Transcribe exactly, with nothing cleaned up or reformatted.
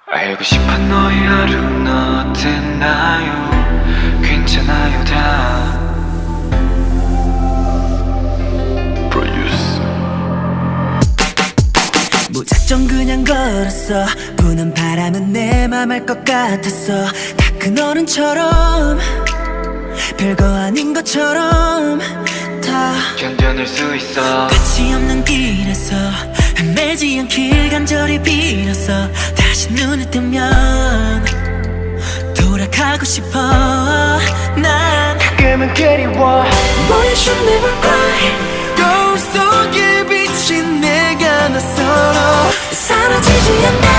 알고 싶어 너의 하루는 어땠나요? 괜찮아요 다 Produce. 무작정 그냥 걸었어. 부는 바람은 내 맘 알 것 같았어. 다 큰 어른처럼 별거 아닌 것처럼 다 견뎌낼 수 있어. 끝이 없는 길에서 헤매지 않길 간절히 빌었어. 다시 눈을 뜨면 돌아가고 싶어. 난 가끔은 그리워. Boy you should never cry. 거울 속에 비친 내가 낯설어. 사라지지 않아.